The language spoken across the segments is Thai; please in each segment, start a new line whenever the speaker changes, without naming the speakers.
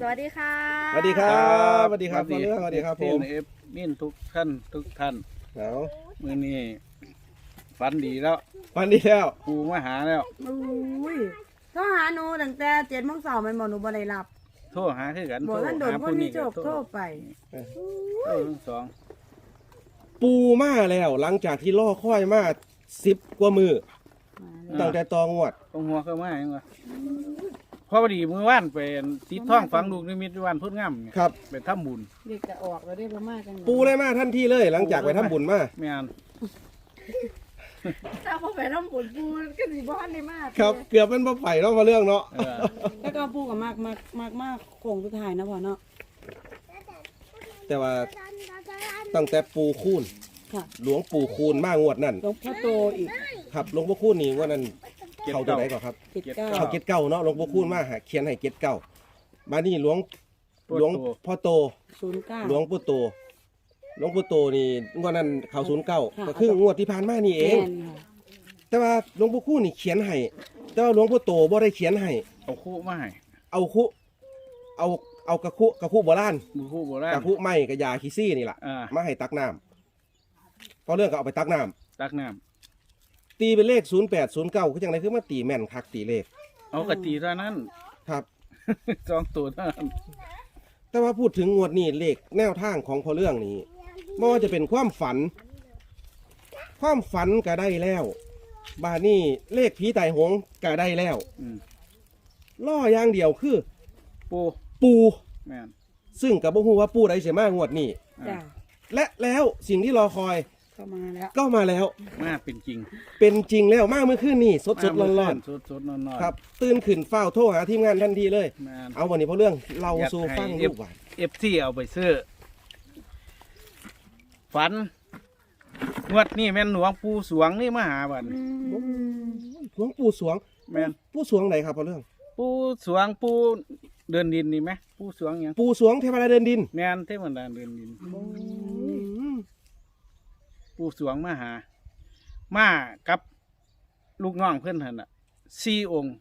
สวัสดีค่ะ
สวัสดีครับสวัสดีครับพ่อเรื่องสวัสดีครับผม
เอฟมินทุกท่าน
เอา
มื้อนี้ฝันดีแล้ว
วันนี้แล้ว
ปูมาหาแล้ว
อุ้ยโทรหาหนูตั้งแต่7 โมงเช้าแม่นบ่หนูบ่ได้รับ
โทรหาคือกัน
บ่ท่านโดนคนที่โจบโทรไป
โทรทั้งสอง
ปูมาแล้วหลังจากที่ล่อค่อยมา10 กว่ามือตั้งแต่ตองวด
ตรงหัวเข้ามาหยังวะพอดีมื้อวานไปติดท้องฝังลูกนิมิตวันพุทธงามเนี่ย
ครับ
ไปทำบุญ
เด็กจะออกแล้วได้บ่มาจัง
ปูเลยมาทันทีเลย หลังจากไปทำบุญมา
แม่น
ถ้าบ่ไปทำบุญปูก็สิบ่ทันได้มา
ครับเกือบเป็นบ่ไปเนาะพ่อเรื่องเนาะ
เออ
แล้วก็ปูก็มากโค้งสุดท้ายนะพ่อเนาะ
แต่ว่าตั้งแต่ปูคูน
ค่ะ
หลวงปู่คูนมางวดนั่น
หลวงพ่อโตอีก
ครับหลวงพ่อคูนนี่ว่านั้นเขาตัวไหนก่อนครับ
79
เขาเก็ดเก้าเนาะหลวงพ่อคูนมาหาเขียนให้เก็ดเก้ามานี่หลวงพ่อโต
09
หลวงปู่โตหลวงปู่โตนี่งวดนั้นเขา09
ค่ะ
ก็คืองวดที่ผ่านมานี่เอง
แม่นค่ะ
แต่ว่าหลวงปู่คู่นี่เขียนให้แต่ว่าหลวงปู่โตบ่ได้เขียนให้
เอาคู่มาให้
เอาคุเอากระคุโบราณ
มือคู่โบราณ
กระคุไม้กระยาขี้ซี่นี่ล่ะ
อ่า
มาให้ตักน้ำพอเรื่องก็เอาไปตักน้ำ
ตักน้ำ
ตีเป็นเลข0809คือจังไดคือมาตีแม่นคักตีเลข
เอากะตีเท่านั้น
ครับ
สองตัวเท่านั้น
แต่ว่าพูดถึงงวดนี้เลขแนวทางของพอเรื่องนี้ไม่ว่าจะเป็นความฝันก็ได้แล้วบาดนี้เลขผีไต่หงก็ได้แล้ว
อืม
ล่ออย่างเดียวคือ
ปู
ปู
แม่น
ซึ่งกับบ่ฮู้ว่าปูใดเสียมางวดนี้
จ้ะ
และแล้วสิ่งที่รอคอย
เข้ามาแล้ว
ก็มาแล้ว
มาเป็นจริง
เป็นจริงแล้วมากเมื่อคืนนี่สดๆร้อน
สดๆร้อน
ๆครับ ตื่นขึ้นเฝ้าโทรหาทีมงานทันทีเลย
แม่น
เอาวันนี้เพราะเรื่องเราสู่ฟังลูกหวาน
FC เอาไปซื้อฝันงวดนี่แม่นหลวงปู่สวงนี่มาหาบัด
หลวงปู่สวง
แม่น
ปู่สวงไหนครับเพราะเรื่อง
ปู่สวงปู่เดินดินนี่ไหมปู่สวงหยัง
ปู่สวงเทวดาเดินดิน
แม่นเทวดาเดินดินปู่สวงมาหา มากับลูกน้องเพื่อนท่านน่ะ4 องค์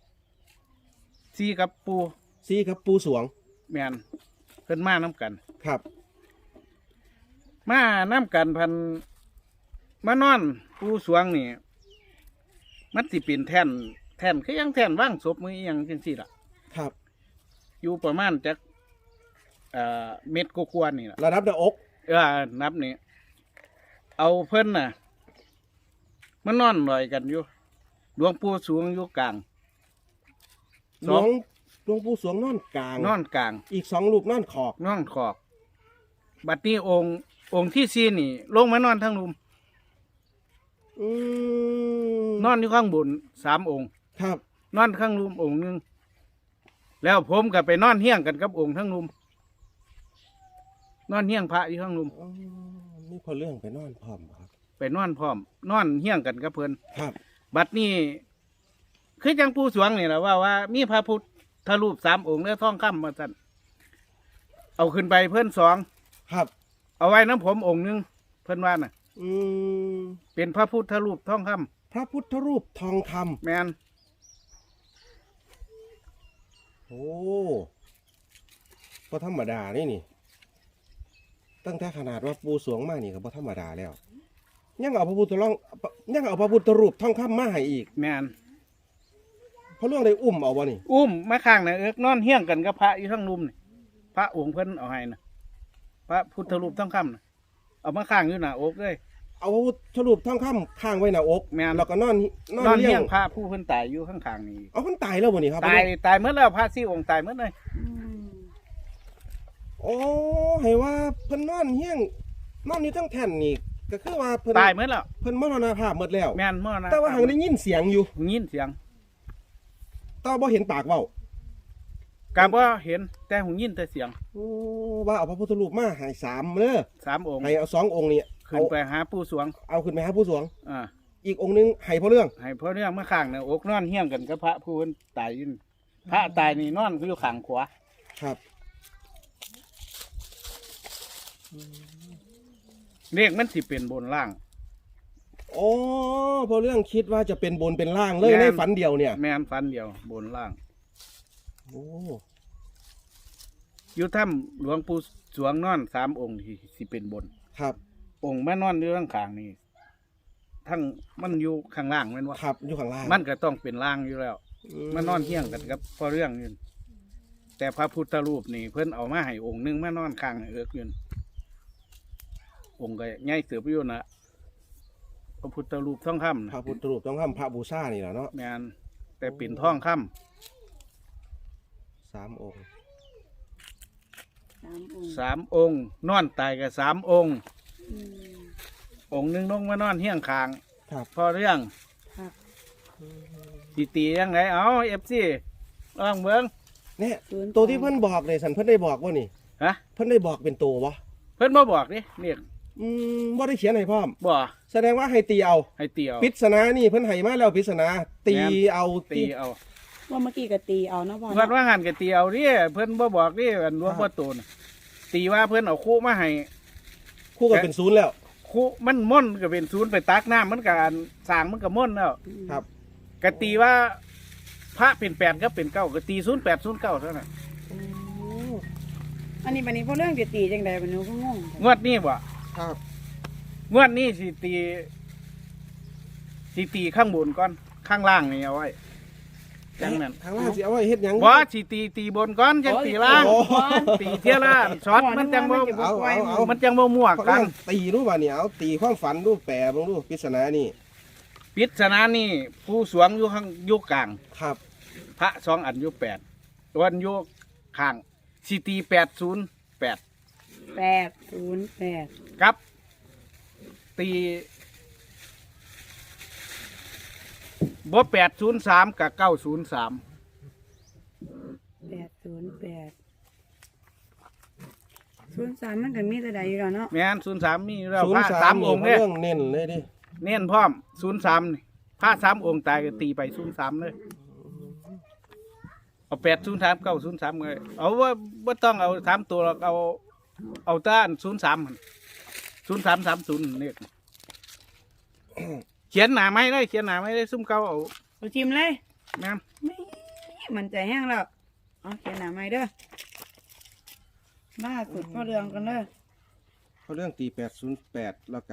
4กับปู่
ซีครับปู่สวง
แม่นเพิ่นมานํกัน
ครับ
มานํกันพันมานอนปู่สวงนี่มันสิเป็นแท่นคือยังแท่นว่างศพมืออหยังจังซี่ล่ะ
ครับ
อยู่ประมาณจักเม็ดกว่าๆนี่ล่ะ
ระดับหน้าอก
นับนี่เอาเพิ่นน่ะมันนอนลอยกันอยู่หลวงปู่สวงอยู่กลาง
หลวงปู่สวงนอนกลาง
นอนกลาง
อีก2รูปนอนขอบ
นอนขอบบัดนี้องค์ที่สี่นี่ ลงมานอนทั้งรุม
อืม
นอนอยู่ข้างบน3 องค์
ครับ
นอนข้างรุมองค์หนึงแล้วผมก็ไปนอนเฮี้ยงกันกับองค์ทั้งรุมนอนเฮี้ยงพระอยู่ข้างรุม
อ๋อนี่พอเรื่องไปนอนพร้อมบ่ครับ
ไปนอนพร้อม นอนเฮี้ยงกันกับเพิ่น
ครับ
บัดนี้คือจังปู่สวงนี่แหละว่ามีพระพุทธรูป3 องค์แล้วท่องคำมาสั่นเอาขึ้นไปเพิ่น2
ครับ
เอาไว้น้ำผมองค์หนึงเพิ่นว่าน่ะ
อืม
เป็นพระพุทธรูปท่องคำ
พระพุทธรูปทองคำ
แมน
โอ้ก็ธรรมดานี่ตั้งแต่ขนาดว่าปูสวงมานี่ก็บ่ธรรมดาแล้ว ยังเอาพระพุทธรูปทองคำมาให้อีก
แมน
เพราะเรื่องได้อุ้มเอาบ่นี่
อุ้มมาข้างน่ะนอนเฮี้ยงกันกับพระอยู่ทั้งรุมนี่พระองค์เพิ่นเอาให้น่ะพระพุทธรูปท่องคำน่ะเอามาข้างอยู่หน้าอกเลย
เอาพระพุทธรูปทองคำข้างไว้หน้าอก
แม่น
แล้วก็นอน
นอน
เลี้
เฮี้
ย
ย
ง
งพระผู้เพิ่นตายอยู่ข้างๆนี่
เอามันตายแล้วบ่นี่ครับ
ตายเมื่อแล้วพระ4 องค์ตายเมื่อเลย
โอ้ให้ว่าเพิ่นนอนเฮี้ยงนอนอยู่ทั้งแท่นนี่ก็คือว่าเพิ่น
ตายเมื่อแล้ว
เพิ่นมรณภาพหมดแล้ว
แมนเมื่อนะ
แต่ว่าหังได้ยินเสียงอยู่
ยินเสียง
แต่บ่เห็นปากเว้า
กาบ่เห็นแต่หูยินแต่เสียง
โอ้ว่าเอาพระพุทธรูปมาให้3เด้อ
3 องค์
ให้เอา2องค์นี่
ขึ้นไปหาปู่สวง
เอาขึ้นไปหาผู้สวง
อ่า
อีกองค์หนึงให้พ่อเรื่อง
ให้พ่อเนี่ยมาข้างน่ะอกนอนเฮี้ยงกันกับพระผู้เพิ่นตายอยู่นี่พระตายนี่นอนอยู่ข้างขวา
ครับ
เลขมันสิเป็นบนล่าง
โอ้พ่อเรื่องคิดว่าจะเป็นบนเป็นล่างเลย
แม่น
ในฝันเดียวเนี่ย
แม่นฟันเดียวบนล่าง
โอ้
อยู่ถ้ำหลวงปู่สวงนอน3องค์ที่สิเป็นบน
ครับ
องค์แม่นอนอยู่ข้างข้างนี่ทั้งมันอยู่ข้างล่างแม่นว่า
ครับอยู่ข้างล่าง
มันก็ต้องเป็นล่างอยู่แล้ว มันนอนเที่ยงกันกับพอเรื่องอยู่แต่พระพุทธรูปนี่เพิ่นเอามาให้องค์หนึงมานอนข้างเอิกอยู่องค์ก็ใหญ่เสืออยู่นะพระพุทธรูปทองคำ
พระพุทธรูปต้องทำพระบูชานี่แหละเนาะ
แม่นแต่เป็นทองคำ
3 องค์
3 องค์
3 องค์นอนตายกับ3 องค์
อืม
องค์หนึงลงมานอนเที่ยงข้าง
ครับ
พอเรื่อง
ครับ
สิตียังไงเอาFC ลองเบิ่ง
เนี่ย
0
ตัวที่เพิ่นบอกเลยสันเพิ่นได้บอกว่านี่
ฮะ
เพิ่นได้บอกเป็นตัววะ
เพิ่นบ่บอกดิเนี่ย
บ่ได้เขียนให้พร้อม
บ่
แสดงว่าให้ตีเอา
ให้เตียว
ปริศนานี่เพิ่นให้มาแล้วปริศนาตีเอา
ตีเอา
ว่าเมื่อกี้ก็ตีเอาเนาะพ่อ
เพิ่น
เนาะ
ว่าหันกับตีเอาดิเพิ่นบ่บอกดิอันหลวงพ่อโตนตีว่าเพิ่นเอาคู่มาให้
คู่กันเป็นศูนย์แล้ว
คู่มันม่อนก็เป็นศูนย์ไปตักน้ำมันก็อันสร้างมันก็ม่อนแล้ว
ครับ
ก็ตีว่าพระเป็น8ก็เป็น9ก็ตี08 09เท่านั้น
อันนี้บัดนี้พ่อเรื่องจะตีจังไดบัดนี้ก็งง
งวดนี้บ่
ครับ
งวดนี้สิตีข้างบนก่อนข้างล่างนี่เอาไว้จังนั้น
ทางล่างสิเอาไว้เฮ็ดหยัง
บ่สิตีบนก่อนจังตีล่าง
โอ้
ตีเที่ยละช็อตมันจังบ่
เอา
มันจังบ่มั่ว
เขา
กั
เรื่
น
องตีรู้ป่ะเนี่ยเอาตีความฝันรู้แปรเบิ่งรู้ปริศนานี่
ปริศนานี่ผู้สวงอยู่ข้างอยู่กลาง
ครับ
พระ2 อันอยู่8วันอยู่ข้างสิตี808
808
ครับ ตีบ่803กับ903
03มันก็มีแต่ใดอยู่แล้วเนาะ
แม่น03มีแล้ว
ศูน
พระ
ย์สาม
3
นี่
องค์
เขา
เนี่ย
เรื่องเน้นเลยดิ
เน้นพร้อม03นี่พระ3 องค์ตายก็ตีไป03เลยเอา803 903เลยเอาว่าบ่ต้องเอา3ตัวหรอกเอาต้าน03หั่น0330นี่เขียนหน้าไม้เลยเขียนหน้าไม้เลยซุ่มเก่าเอา
เอาทิมเลย
แม่น
ไม่มันใจแห้งแล้วเอาเขียนหน้าใหม่เด้อล่าสุดพ่อเรื่องกันเด้อ
เขาเรื่องตี808แล้วก็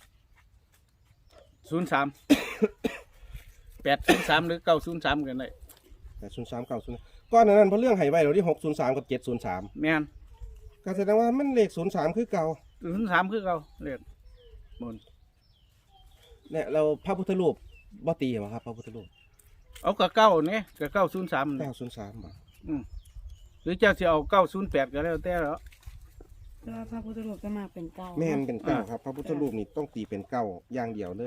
03 803หรือ903กันได้
803 903ก้อนนั้นเพราะเรื่องให้ไว้เราที่603กับ703
แม่น
ก็แสดงว่ามันเลข03คือเก่า
03คือเก่าเลขบน
เนี่ยเราพระพุทธรูปบ่ตีเหรอครับพระพุทธรูป
เอากับเก้าเนี่ยกับ903นี่
903บ่
หรือเจ้าจะเอา908ก็แล้วแต่แล้ว
แต่ว่าพระพุทธรูปจะมาเป็นเก้า
แม่นเป็นเก้าครับพระพุทธรูปนี่ต้องตีเป็นเก้าอย่างเดียวเลย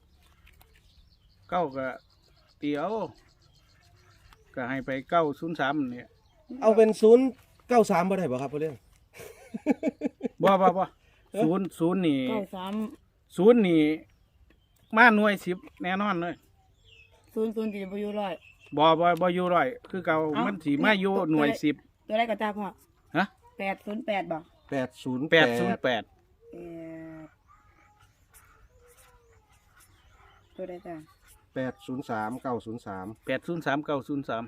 9ก็เตียวก็ให้ไป903เนี่ย
เอาเป็น093บ่ได้บ่ครับเพราะเรื่อง
บ่ศูนย์นี่
93
ศูนย์นี่มาหน่วย10แน่นอนเลย
00ที่จะบ่อยู่ร้อย
บ่อยู่ร้อยคือเก่ามันสิมาอยู่หน่วย10
ตัวได้ก็จ้าพ่อ
ฮะ
808บ่
808
ตัวได้จ้า
803 903
803 903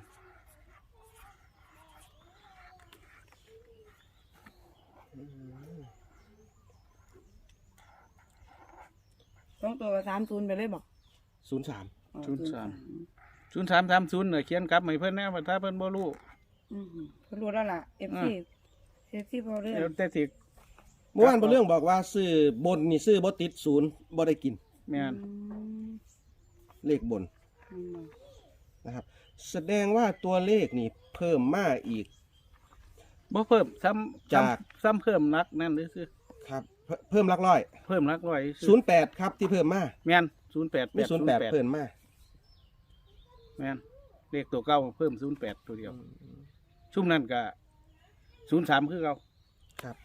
ต้องตัวก็30ไปเลยบ่
03
อ๋อ
0330เนี่ยเขียนกลับให้เพิ่นแน่ว่าถ้าเพิ่นบ่รู้
อืมเพิ่นรู้แล้วล่ะ FC พอเรื่อง
แล้วแต่สิ
เมื่อวานเพราะเรื่องบอกว่าซื้อบนนี่ซื้อบ่ติด0บ่ได้กิน
แม่น
เลขบนนะครับ แสดงว่าตัวเลขนี่เพิ่มมาอีก
บ่เพิ่มซ้ำ
จาก
ซ้ำเพิ่มนักนั่นหรือซื้อ
ครับเพิ่มหลักร้อย
เพิ่มนักร้อยซื้อ
08ครับที่เพิ่มมา
แม่น08
มี08เพิ่มมา
แม่นเลขตัวเก่าเพิ่ม08ตัวเดียวชุ่มนั้นก็03คือเก่า
ครับ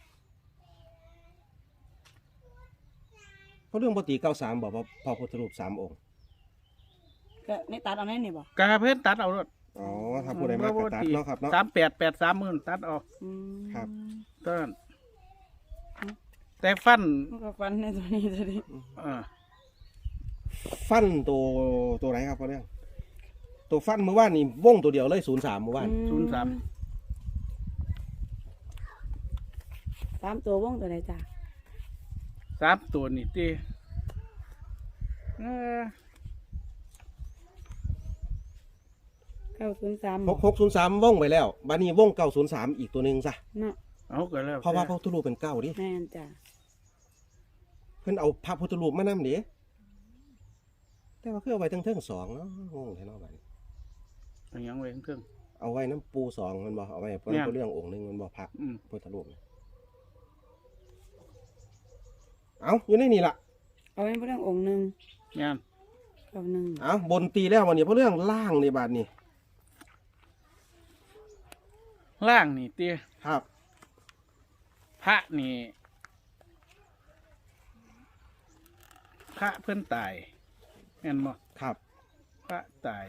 เพราะเรื่องปกติ93บอกว่าพระพุทธรูป3องค์
ก็ในตัดเอาแน่นี่บ่
กะเพิ่นตัดเอารถ
อ๋อถ้าผู้ใดมากระตัดเนาะครับเนาะ
3883ตัดออก
ครับ
เท่านั้นแต่ฟัน
มันก็ฟันในตัวนี้ตัวนี้
ฟันตัวไหนครับเพราะเรื่องตัวฟันเมื่อวานนี่วงตัวเดียวเลย03เมื่อวาน
03
3ตัววงตัวใดจ้ะ
3ตัวนี่ติ
903
6603วงไปแล้วบัดนี้วง903อีกตัวหนึงซะ
เนาะ
เอาก็แล้ว
เพราะว่าพระพุทธรูปเป็นเก้าดิ
แม่นจ้ะ
เพิ่นเอาพระพุทธรูปมานำเด้แต่ว่าคือเอาไว้ทั้งสองเนาะงงแท้เนาะบัดนี้
เอาหยังไว้เครื่อง
เอาไว้น้ำปูสองมันบ่เอาไว้เพิ่น
เนี่ย
เรื่ององค์หนึงมันบ่พระ
อืม
พุทธรูปเอาอยู่ในนี่ล่ะ
เอาไว้เรื่ององค์หนึง
งาน
กับหนึ่ง
เอาบนตีแล้ววันนี้เพราะเรื่องล่างในบาทนี่
ล่างนี่ติ
ครับ
พระนี่พระเพิ่นตายแม่นบ่
ครับ
พระตาย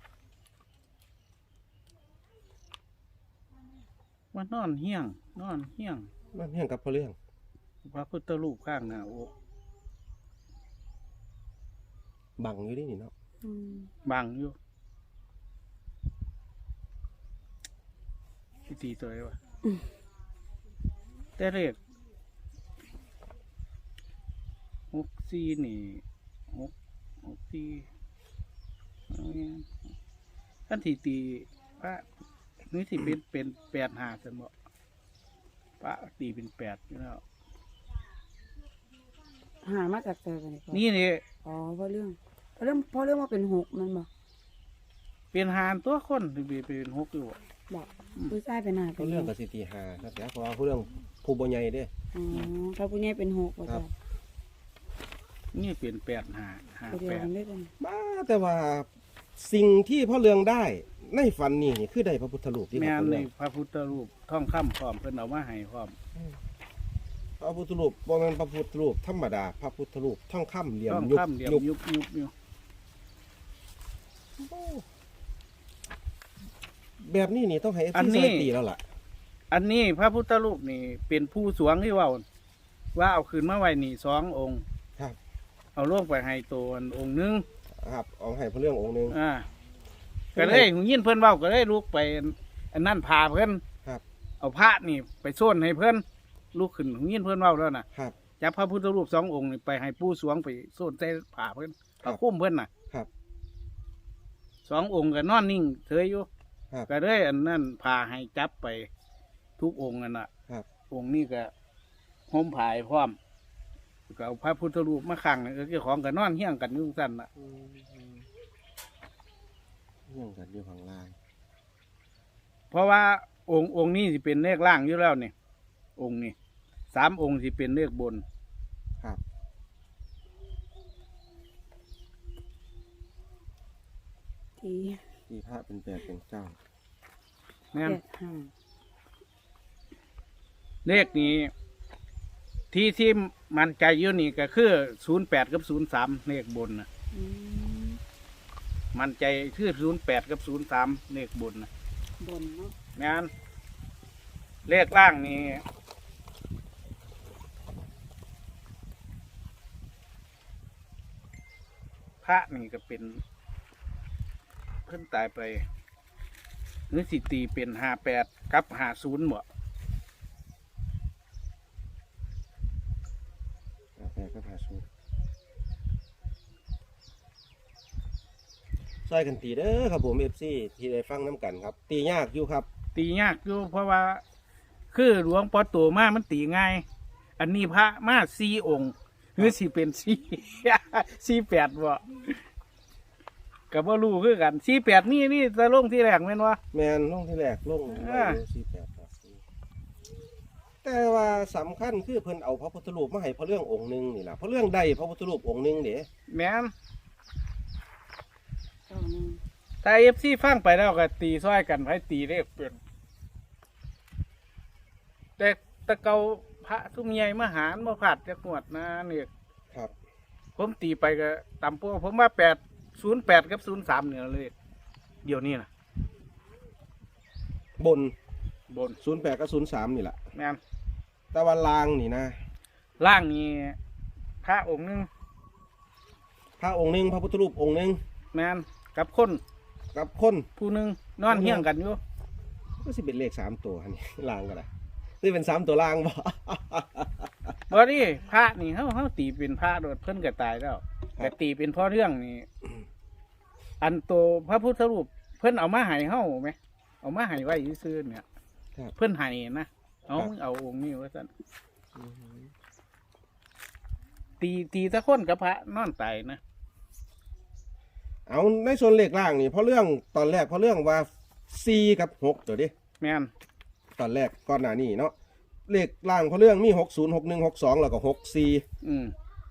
ว่านอนเฮี้ยง
มันเพียงกับเพราะเรื่อง
พระพุทธรูปข้างหน้าอก
บังอยู่นี่นี่เนาะ
อืม
บังอยู่พิธีตัวไหนวะแต่เลข64นี่64ท่านที่ตีพระนี่สิเป็น85ซั่นบ่พระตีเป็น8อยู่แล้ว
หามาจากใจกันนี่
นี่นี่
อ๋อเพราะเรื่องว่าเป็น6มันบ่
เป็นหานตัวคนที่เป็น6อยู่บ่
บอกผู้ชายเป็น5
เพ
เป็น
ราะเรื่อง
6
กับสิตีหาครับแต่เพราะว่าเพราะเรื่องผู้บ่ใหญ่เด้
อ๋อถ้าผู้ใหญ่เป็น6บ่
ครั
จ้ะ
บ
นี่เป็น8
ตัวเดียวกัน
5
ด้วยกัน
มาแต่ว่าสิ่งที่พ่อเรืองได้ในฝันนี่คือได้พระพุทธรูปที่
8แม่
พ่
น
อ
ใน
เรือง
พระพุทธรูปทองคำพร้อมเพิ่นเอามาให้พร้อม
พระพุทธรูปบ่แม่นพระพุทธรูปธรรมดาพระพุทธรูปทองคำเหลี่ยม
ทอง
ยุบ
คำเดียว
ยุบ
ยุบอยู่
แบบนี้นี่ต้องให้
อัน
FC
นี้
ซอยตีแล้วล่ะ
อันนี้พระพุทธรูปนี่เป็นผู้สวงที่ว่าเอาคืนมาไว้นี่2องค์
ครับ
เอาลงไปให้ตัวองค์หนึง
ครับเอาให้พระเรื่ององค์หนึง
ก็เลยหูยินเพิ่นเว้าก็เลยลุกไปอันนั้นพาเพิ่น
ครับ
เอาพระนี่ไปโซนให้เพิ่นลุกขึ้นหูยินเพิ่นเว้าแล้วน่ะ
ครับ
จับพระพุทธรูป2องค์นี่ไปให้ผู้สวงไปโซนใส่ผ้าเพิ่น
ครับ
เอาคุ้มเพิ่นน่ะ
ครับ
2องค์ก็นอนนิ่งเฉยอยู่
ครับ
ก็เลยอันนั้นพาให้จับไปทุกองค์นั่นน่ะ
ครับ
องค์นี้ก็ห่มผายพร้อมก็เอาพระพุทธรูปมาขังนี่ก็เจ้าของก็นอนเฮี้ยงกันอยู่ซั่นน่ะ
เรื่องกันอยู่ข้างล่าง
เพราะว่าองค์นี้สิเป็นเลขล่างอยู่แล้วนี่องค์นี้3องค์สิเป็นเลขบน
ครับ
ที่
ที่พระเป็น8เป็น9
แม่น
85
เลขนี้ที่มันใจอยู่นี่ก็คือ08กับ03เลขบนน่ะ
อืม
มันใจคือ08กับ03เลขบนน่ะ
บนเนาะ
แม่นเลขล่างนี่พระนี่ก็เป็นเพิ่นตายไปหรือสิตีเป็น58กับ50บ่
8ก็พาสูซอยกันตีเด้อครับผม FC ที่ได้ฟังน้ำกันครับ ตียากอยู่ครับ
ตียากอยู่เพราะว่า คือหลวงปอโตมามันตีง่าย อันนี้พระมา4องค์หรือสิเป็น48บ่ก็บ่รู้คือกัน48นี่จะลงที่แรกแม่นบ่
แมนลงที่แรกลง
อ่า
48ครับแต่ว่าสำคัญคือเพิ่นเอาพระพุทธรูปมาให้พระเรื่ององค์หนึงนี่ล่ะพระเรื่องใดพระพุทธรูปองค์หนึงเด้
แม่น
91
ถ้า FC ฟังไปแล้วก็ตีซ้อยกันไผตีเลขเป็นแต่ตะเกาพระทุมใหญ่มหารบ่พลาดจักงวดนะนี่
ครับ
ผมตีไปก็ต่ำพวกผมว่า08กับ03เนี่ยเลยเดี๋ยวนี้นะ
บน
บน
08กับ03นี่ล่ะ
แม่น
แต่ว่าลางนี่นะ
ล่างนี้พระองค์หนึง
พระองค์หนึงพระพุทธรูปองค์หนึง
แม่นกับคน
กับคน
ผู้หนึงนอนเฮี้ยงกันอยู่
ก็สิเป็นเลข3ตัวอันนี้ ลางก็ได้นี่เป็น3ตัวล่างบ่
บ่นี่พระนี่เฮาตีเป็นพระโดดเพิ่นก็ตายแล้วแต่ตีเป็นพ่อเรื่องนี่อันโตพระพุทธรูปเพิ่นเอามาให้เฮาไหมเอามาให้ไว้ซื่อๆเนี่ย
ครับ
เพิ่นให้นะเอามึงเอาองค์นี้ว่าซั่นตีตะคนกับพระนอนตายนะ
เอาในส่วนเลขล่างนี่เพราะเรื่องตอนแรกเพราะเรื่องว่า4กับ6ตัวดิ
แม่น
ตอนแรกก่อนหน้านี้เนาะเลขล่างเพราะเรื่องมี60 61 62แล้วก็64
อืม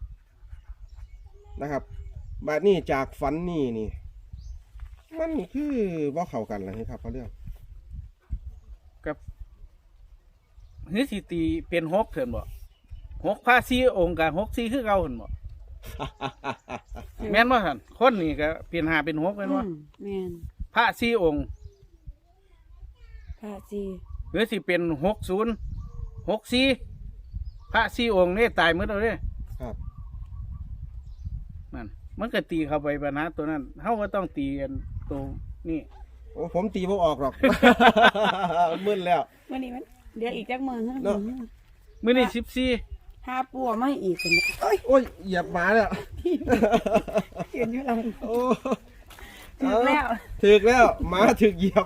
นะครับบาดนี้จากฝันนี่มันคือบ่เข้ากันล่ะครับเพราะเรื่อง
กับเฮ้ยสิตีเป็น6เถินบ่6พระ4องค์กับ6 4คือเก่าเถินบ่ แม่นบ่ท่านคนนี่ก็เปลี่ยน5เป็น6แม่นบ่
แม่น
พระ4องค์
พระสี
หรือสิเป็น60 64พระ4องค์นี่ตายหมดแล้วเด้
ครับ
นั่นมันก็ตีเข้าไปปัญหาตัวนั้นเฮาก็ต้องตีกันตัวนี้
โอ้ผมตีบ่ออกหรอก มึนแล้ว
วันนี้มันเดี๋ยวอีกจักมื้อฮะ
เนาะ
มื้อนี้14
หาปัวมาให้อีกกันเอ้ย
โอ้ยเหยียบหมาแล้ว
เห็นอยู่หลัง
โอ้
ถึงแล้ว
ถึกแล้วหมาถึกเหยียบ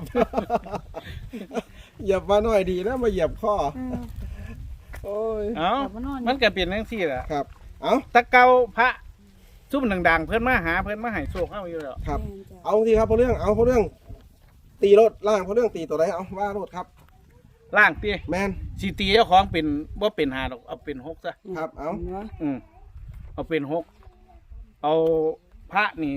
เหยียบมาหน่อยดีนะมาเหยียบข้อ โอ้ย
เอ้า
กลับมานอน
มันก็เป็นจังซี่ล่ะ
ครับ เอา
แตะเก่าพระซุ่มดังๆเพิ่นมาหาเพิ่นมาให้โชคเฮาอยู่แล้ว
ครับ
แม่นจ้ะ
เอาทีครับเพราะเรื่องเอาเพราะเรื่อง ตีรถล่างเพราะเรื่องตีตัวไหนเอาว่ารถครับ
ล่างติ
แมน
สิตีเจ้าของเป็นบ่เป็น5ดอกเอาเป็น6ซะ
ครับเอา
ห็นบ่
เอาเป็น6เอาพระนี่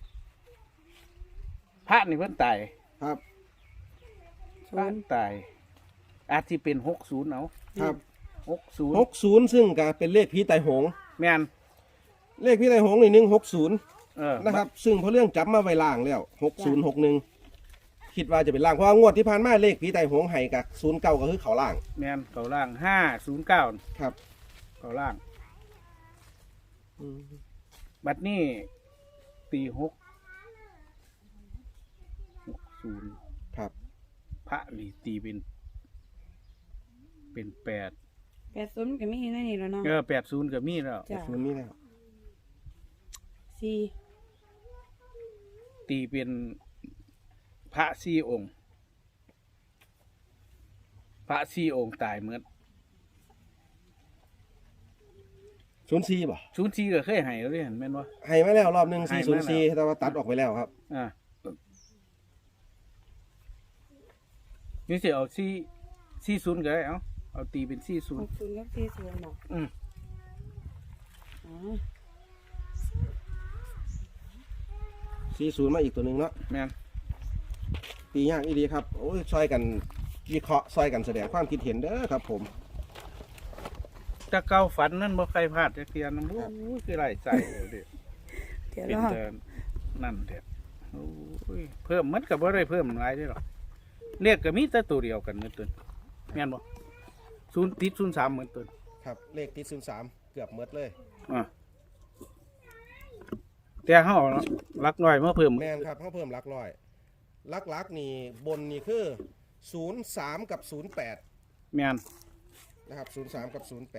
เพิ่นตาย
ครับ
พระตายอาจสิเป็น60เอา
ครับ
60
60ซึ่งก็เป็นเลขผีไตโหง
แม่น
เลขผีไตโหงนี่160นะครับ ซึ่งเพราะเรื่องจับมาไว้ล่างแล้ว6061คิดว่าจะเป็นล่างเพราะว่างวดที่ผ่านมาเลขผีไตโหงให้กับ09ก็คือเขาล่าง
แม่นเขาล่าง509
ครับ
เขาล่าง บัดนี้ตี60
ครับ
พระนี่ตีเป็น8
80มันก็มีในนี่แล้วเนาะ
80ก็มีแล้ว
จ้ะ
มันมีแล้ว
สี่
ตีเป็นพระ4องค์ พระ4องค์ตายเหมือน
04บ่
04ก็เคยให้แล้วเด้เห็นแม่นบ่
ให้มาแล้วรอบหนึง
ให้มาแล้ว
404แต่ว่าตัดออกไปแล้วครับ
นี่สิเอา40ก็ได้เอาตีเป็น40
60กับ40เนาะ
อืม
อ๋อ
40มาอีกตัวหนึงเนาะ
แม่น
ตียากอีดีครับโอ้ยช่วยกันวิเคราะห์ช่วยกันแสดงความคิดเห็นเด้อครับผม
แต่เก่าฝันนั่นบ่ใครพลาดจักเที่ยนโอ้ยคือไรใจเด้
เดี๋ยว
เป็น
รอ
แต่นั่นเด้โอ้ยเพิ่มมันก็บ่ได้เพิ่มหลายเด้หรอกเลขก็มีแต่ตัวเดียวกันเหมือนตัวแม่นบ่0ติด03เหมือนตัว
ครับเลขที่03เกือบหมดเลย
แต่เฮาหลักน้อยมาเพิ่ม
แม่นครับเขาเพิ่มหลักร้อยหลักนี่บนนี่คือ03กับ08
แม่น
นะครับ03กับ08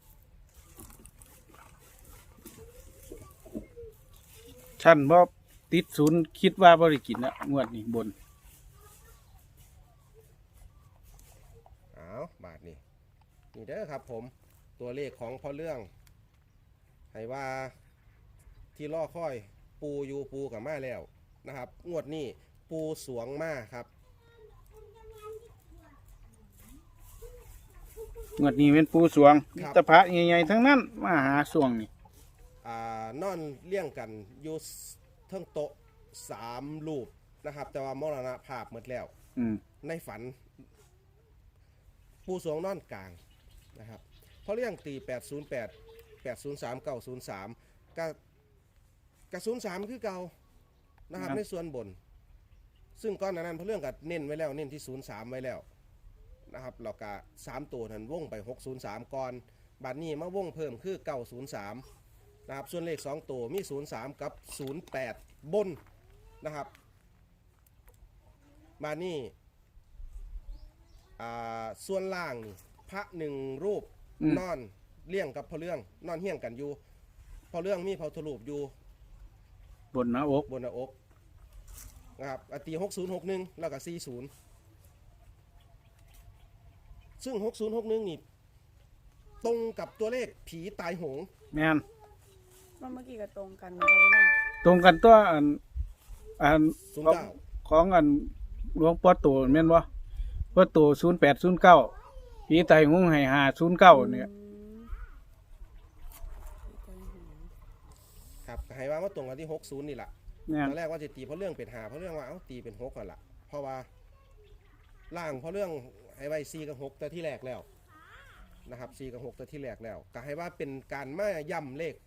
ชั้นบ่ติด0คิดว่าบ่ได้กินนะงวดนี้บน
เอาบาทนี่นี่เด้อครับผมตัวเลขของพ่อเรื่องให้ว่าที่ล่อค่อยปูอยู่ปูกับมาแล้วนะครับงวดนี้ปูสวงมาครับ
งวดนี้เป็นปูสวงมีแตะพระใหญ่ๆทั้งนั้นมาหาสวงนี่
นอนเลี้ยงกันอยู่เทิงโต๊ะ3รูปนะครับ แต่ว่ามรณภาพหมดแล้ว ในฝัน ปูสวงนอนกลางนะครับเพราะเรื่องตี808 803 903กับ03คือเก่านะครับในส่วนบน ซึ่งก้อนนั้นเพราะเรื่องกับเน้นไว้แล้วเน้นที่03ไว้แล้วนะครับเราก็3ตัวนั้นวงไป603ก่อนบัดนี้มาวงเพิ่มคือ903นะครับส่วนเลข2ตัวมี03กับ08บนนะครับบัดนี้ส่วนล่างนี่พระหนึ่งรูปนอนเลี้ยงกับพระเรื่องนอนเฮี้ยงกันอยู่พระเรื่องมีพระพุทธรูปอยู่
บนหน้าอก
บนหน้าอกนะครับตี6061แล้วก็40ซึ่ง6061นี่ตรงกับตัวเลขผีตายโหง
แม่น
ว่าเมื่อกี้ก็ตรงกันนะครับพ่อเรื่อง
ตรงกันตัวอัน
09
ของอันหลวงพ่อโตแม่นบ่พ่อโต0809ผีไตหงให้509เนี่ย
ครับให้ว่ามาตรงกันที่60นี่แหละ
แม่น
ตอนแรกว่าจะตีเพราะเรื่องเป็น5เพราะเรื่องว่าตีเป็น6ก่อนละเพราะว่าล่างเพราะเรื่องให้ไว้4กับ6แต่ที่แรกแล้วนะครับ4กับ6แต่ที่แรกแล้วก็ให้ว่าเป็นการมาย่ำเลข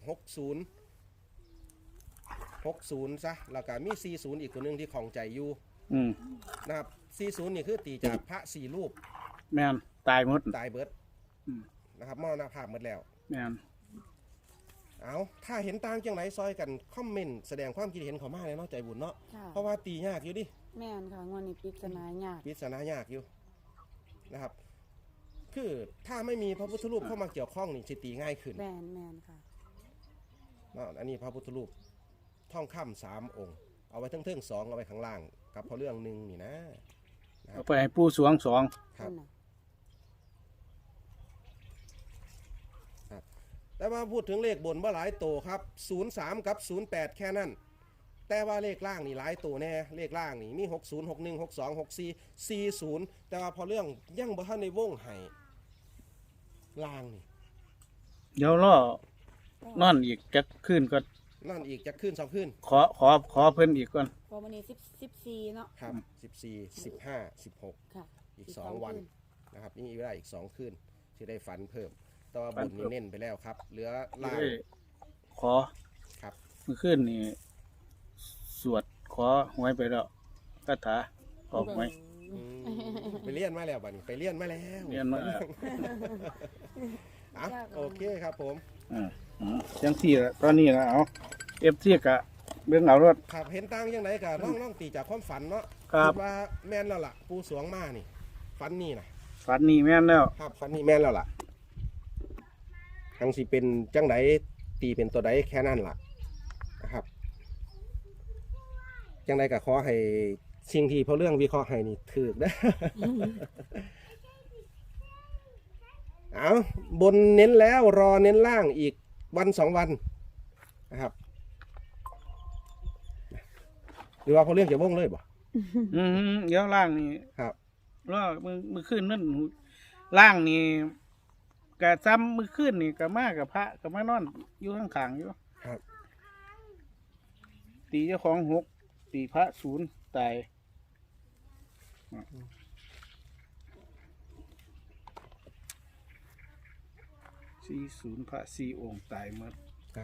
60ซะแล้วก็มี40อีกตัวหนึงที่ของใจอยู่ นะครับ40นี่คือตีจากพระ4รูป
แม่นตายหมด
ตายเบิด
อืม
นะครับมรณภาพหมดแล้ว
แม่น
เอาถ้าเห็นต่างจังไหนซอยกันคอมเมนต์แสดงความคิดเห็นเขามาเลยเนาะใจบุญเนาะ
ค่ะ
เพราะว่าตียากอยู่ดิ
แม่นค่ะงวดนี้ปริศนายาก
ปริศนายากอยู่นะครับคือถ้าไม่มีพระพุทธรูปเข้ามาเกี่ยวข้องนี่สิตีง่ายขึ้น
แม่นค่ะ
เนาะอันนี้พระพุทธรูปท่องค่ำ3องค์เอาไว้เทิงๆ2เอาไว้ข้างล่าง กับพระเรื่องหนึ่งนี่นะ
เอาไปให้ปู่สวง2
ครับ
นั่นน่ะ
แต่ว่าพูดถึงเลขบนว่าหลายโตครับ03กับ08แค่นั้นแต่ว่าเลขล่างนี่หลายโตแน่เลขล่างนี่มี60 61 62 64 40แต่ว่าพอเรื่องยังบ่ทันในวงให้ล่างนี่
เดี๋ยวรอนอนอีกจักคืนก็
นั่นอีกจะขึ้น2ขึ้น
ขอเพิ่นอีกก่อน
พอวันนี้14เนาะ
ครับ14 15 16
ค่ะ
อีก2วันนะครับนี่เวลาอีก2คืนที่ได้ฝันเพิ่มแต่ว่าบนนี่เน้นไปแล้วครับเหลือล่าง
ขอ
ครับ
เมื่อคืนนี่สวดขอหวยไปแล้วคาถาออกหวย
ไปเรียนมาแล้วบัดนี้ไปเรียนมาแล้ว
เรียนมาแล้ว
อ่ะโอเคครับผม
จังซี่ละตอนนี้นะเอาFCก็เบิ่งเอารถ
ครับเห็นต่างยังไงกันน้องตีจากความฝันเนาะ
ครับ
ดว่าแม่นแล้วล่ะปูสวงมานี่ฝันนี่นะ
ฝันนี่แม่นแล้ว
ครับฝันนี่แม่นแล้วล่ะทั้งสิเป็นจังไดตีเป็นตัวใดแค่นั้นล่ะนะครับจังไดก็ขอให้สิ่งที่เพราะเรื่องวิเคราะห์ให้นี่ถูกนะ เอาบนเน้นแล้วรอเน้นล่างอีกวัน2วันนะครับหรือว่าเพราะเรื่องจะว่งเลยบ่
เดี๋ยวล่างนี่
ครับ
รอมือขึ้นนั่นล่างนี่กะซ้ำมือขึ้นนี่กะมากับพระกะมานอนอยู่ข้างๆอยู่
ครับ
ตีเจ้าของ6ตีพระ0ตาย40พระ4องค์ตายหมด
ครับ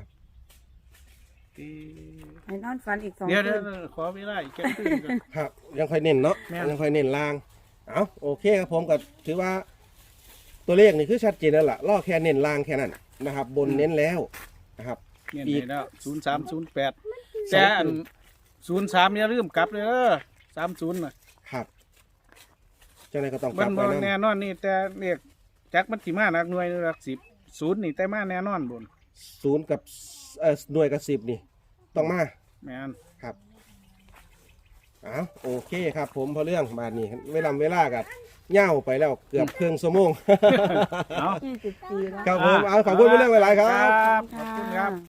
ให้นอนฝันอีก2
เดี๋ยว
คืน
ขอเวลาอีกแค่คืนก่อน
ครับยังค่อยเน้นเนาะ
แม่น
ยังค่อยเน้นล่างเอาโอเคครับผมก็ถือว่าตัวเลขนี่คือชัดเจนแล้วล่ะล่อแค่เน้นล่างแค่นั้นนะครับ บนเน้นแล้วนะครับ
เนี่ย
อีก
ได้แล้ว0308แต่อัน03อย่าลืมกลับเลย30น่ะ
ครับเจ้าไหนายก็ต้องก
มั
ลั
น
บ
บ่
ไป
แน่
นะ
นอนนี่แต่เรียกจักมันสิมาหนักหน่วยหรือหลัก10 0นี่แต่มาแน่นอนบน
0กับหน่วยกับ10นี่ต้องมา
แม่น
ครับเอาโอเคครับผมพอเรื่องมานี่เวลากับเหย่าไปแล้วเกือบครึ่งชั่วโมง
เอา
24แล้ว
ครับผมเอาขอบคุณพอเรื่องหลายๆครับ
ขอบคุณครับ